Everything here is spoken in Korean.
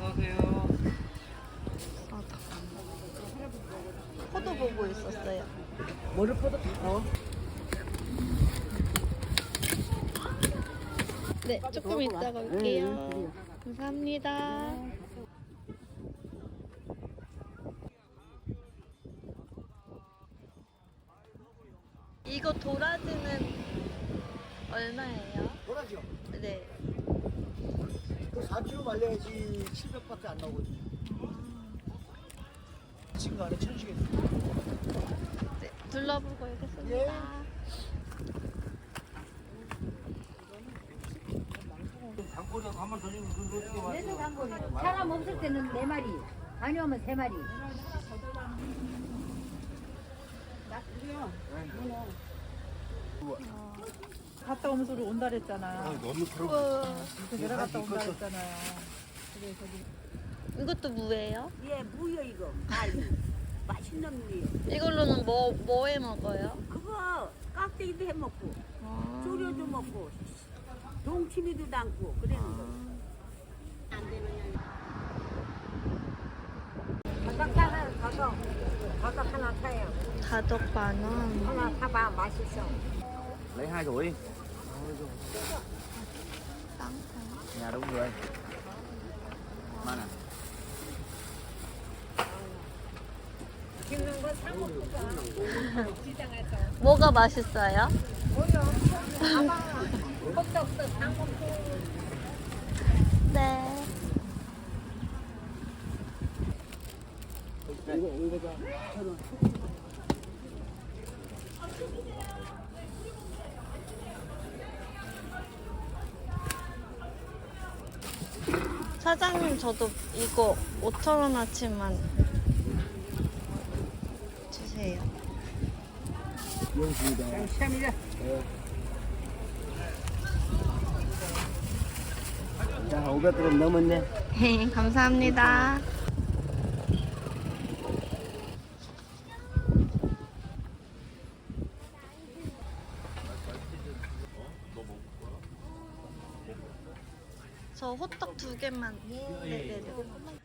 어서오세요. 포도 보고 있었어요. 뭐를 포도? 네, 조금 이따가 올게요. 감사합니다. 이거 도라지는 얼마예요? 도라지요? 네. 그 4kg 말려야지 700밖에 안 나오거든요. 지금 안에 천식에 네, 둘러보고 오겠습니다. 장꼬리하고 한번 더 주면 그거 어떻게 와? 계속 한 거네. 사람 없을 때는 4마리, 다녀오면 3마리. 갔다 오면서 우리 온다 그랬잖아. 너무 그래서 내려갔다 온다 그랬잖아요. 이것도 무예요? 예, 무요 이거. 알이. 맛있는 무요. 이걸로는 뭐 해 먹어요? 그거 깍두기도 해 먹고, 아, 조려도 먹고, 동치미도 담고 그러는 거. 바닥 하나, 바닥 하나 사요. 다덕 만원. 하나 사봐, 맛있어. lấy 2 rưỡi. Nhà đúng người. Mana? 찍는 거 사 먹고 가. 시장에서. 뭐가 맛있어요? 뭐요? 사봐. 것도 없어, 사 먹고. 네. 사장님, 저도 이거 5,000원어치만 주세요. 시합니다. 자, 500g 넘었네. 감사합니다. 저 호떡 2개만. 네네네.